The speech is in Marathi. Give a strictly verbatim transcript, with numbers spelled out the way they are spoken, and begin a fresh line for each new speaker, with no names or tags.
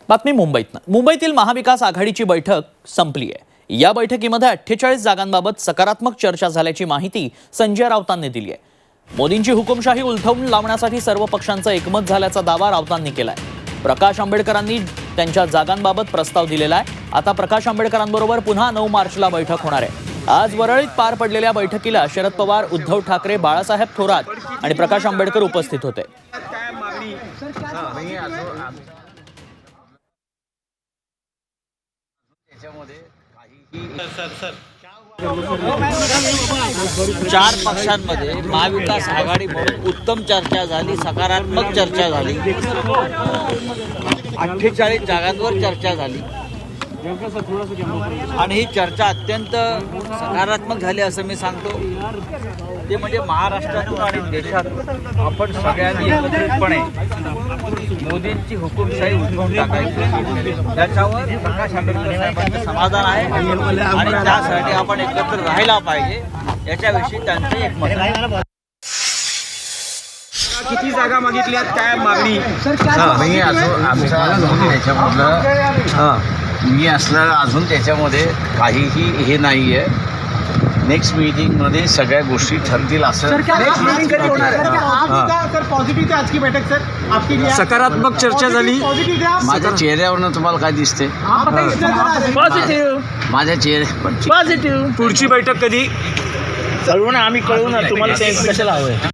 बातमी मुंबईतनं मुंबईतील महाविकास आघाडीची बैठक संपली आहे। या बैठकीमध्ये अठ्ठेचाळीस जागांबाबत सकारात्मक चर्चा झाल्याची माहिती संजय राऊतांनी दिली आहे। मोदींची हुकुमशाही उलथवून लावण्यासाठी सर्व पक्षांचं एकमत झाल्याचा दावा राऊतांनी केलाय। प्रकाश आंबेडकरांनी त्यांच्या जागांबाबत प्रस्ताव दिलेला आहे। आता प्रकाश आंबेडकरांबरोबर पुन्हा नऊ मार्चला बैठक होणार आहे। आज वरळीत पार पडलेल्या बैठकीला शरद पवार, उद्धव ठाकरे, बाळासाहेब थोरात आणि प्रकाश आंबेडकर उपस्थित होते।
चार पक्षांमध्ये महाविकास आघाडी म्हणून उत्तम चर्चा झाली, सकारात्मक चर्चा झाली, अठ्ठेचाळीस जागांवर चर्चा झाली आणि ही चर्चा अत्यंत सकारात्मक झाली असं मी सांगतो। ते म्हणजे महाराष्ट्रातून आणि देशातून आपण सगळ्यांनी एकत्रितपणे मोदींची हुकुमशाही उठवून टाकायची, त्याच्यावर प्रकाश आंबेडकर साहेबांचं समाधान आहे आणि त्यासाठी आपण एकत्र राहायला पाहिजे याच्याविषयी त्यांचं एकमत आहे।
किती जागा मागितल्यात, काय मागणी?
मी अजून आमचा अजून त्याच्यामधलं मी असलं अजून त्याच्यामध्ये काहीही हे नाही आहे। नेक्स्ट मीटिंगमध्ये सगळ्या गोष्टी ठरतील असं।
सकारात्मक चर्चा झाली।
माझ्या चेहऱ्यावरनं तुम्हाला काय दिसते? माझ्या चेहऱ्यावर
पुढची बैठक कधी?
कळवून आम्ही कळवून तुम्हाला कशाला हवंय?